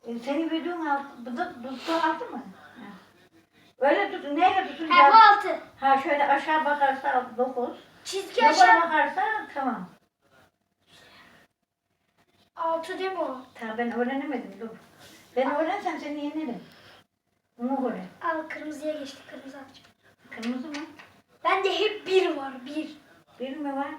Senin videon altı, bu da altı mı? Ha. Öyle tutun, neyle tutun? Ha bu 6. Ha şöyle aşağı bakarsa 9. Çizgi Yukarı aşağı. bakarsa tamam. 6 değil mi o? Ta ben öğrenemedim, dur. Ben öğrensem seni yenerim. Bunu göre. Al kırmızıya geçtik. Kırmızı atacağım. Kırmızı mı? Bende hep 1 var. 1. Bir mi var?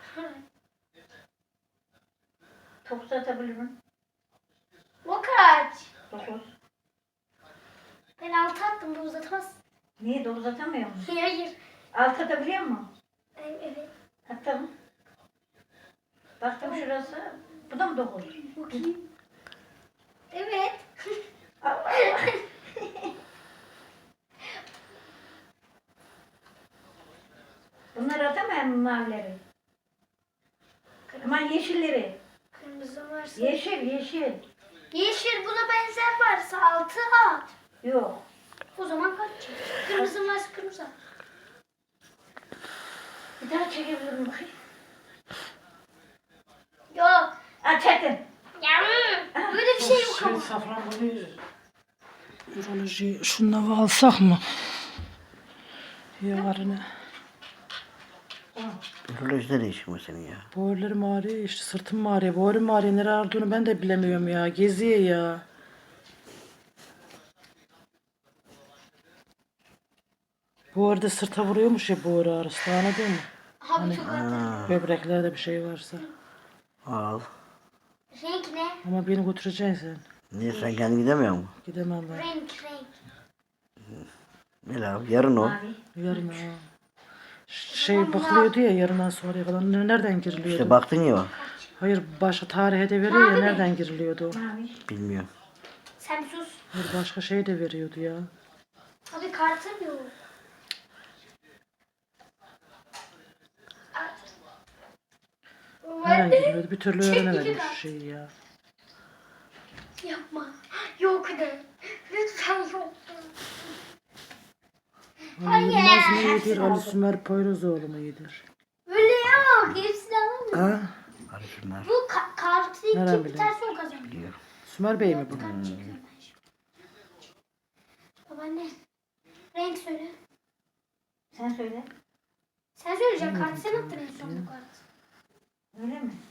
Top atabilirim. O kaç? 9. Ben 6 attım. Bu uzatamaz. Niye 9 atamıyor musun? Hayır. 6 atabiliyor musun? Evet. Attım. Baktım şurası. Bu da mı 9? Bakayım. Evet. Allah Allah. Bunları atamıyorum mavileri. Aman yeşilleri. Kırmızı varsa. Yeşil, yeşil. Yeşil buna benzer varsa 6 at. Yok. O zaman kaç? Kırmızı varsa kırmızı at. Bir daha çekebilirim bakayım. Yok. Çekin. Ya böyle bir şey yok ama. Safranbolu üroloji şunları alsak mı? Yarına. Ürolojide ne işin var senin ya? Boğurlarım ağrıyor işte sırtım ağrıyor. Boğurum ağrıyor. Nereye ağrıdığını ben de bilemiyorum ya. Geziyor ya. Bu arada sırta vuruyormuş ya boğur ağrısı. Anladın mı? Abi çok at. Böbreklerde bir şey varsa. Al. Renk ne? Ama beni götüreceksin sen. Niye sen kendin gidemiyor musun? Gidemem ben. Renk. Ne lan? Yarın o. Mavi. Yarın ha. Şey bakılıyordu ya yarından sonraya falan. Nereden giriliyordu? İşte baktın ya. Hayır başka tarihe de veriyor ya nereden giriliyordu? Mavi. Bilmiyorum. Sen bir sus. Hayır başka şey de veriyordu ya. Abi kartı yok. Nereden giriliyordu? Bir türlü öğrenemedim şu şeyi ya. Yapma. Yok de. Lütfen yok. Ali Yılmaz mı iyidir? Ali Sümer Poyrazoğlu mu iyidir? Öyle yok. Hepsini alalım. Ha? Hadi şunlar. Bu kartı Nereden kim bileyim? biterse o kazanıyor. Biliyorum. Sümer Bey mi bu? Kart çekiyorum ben şu. Babaanne. Renk söyle. Sen söyle. Sen söyleyeceksin kartı sen attın en son bu kartı. Öyle mi?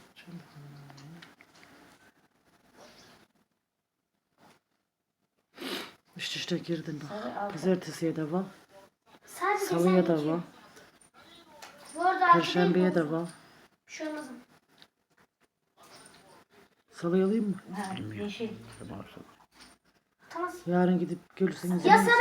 İşte girdim bak. Sarı altı. Pazartesiye de var. Sadece Salıya sen da iki. var. Bu arada altı Perşembeye renk de olsun. var. Bir şey olmaz ama. Salıya alayım mı? Ha, yeşil. Tamam. Tamam. Yarın gidip görürseniz. Ya sarı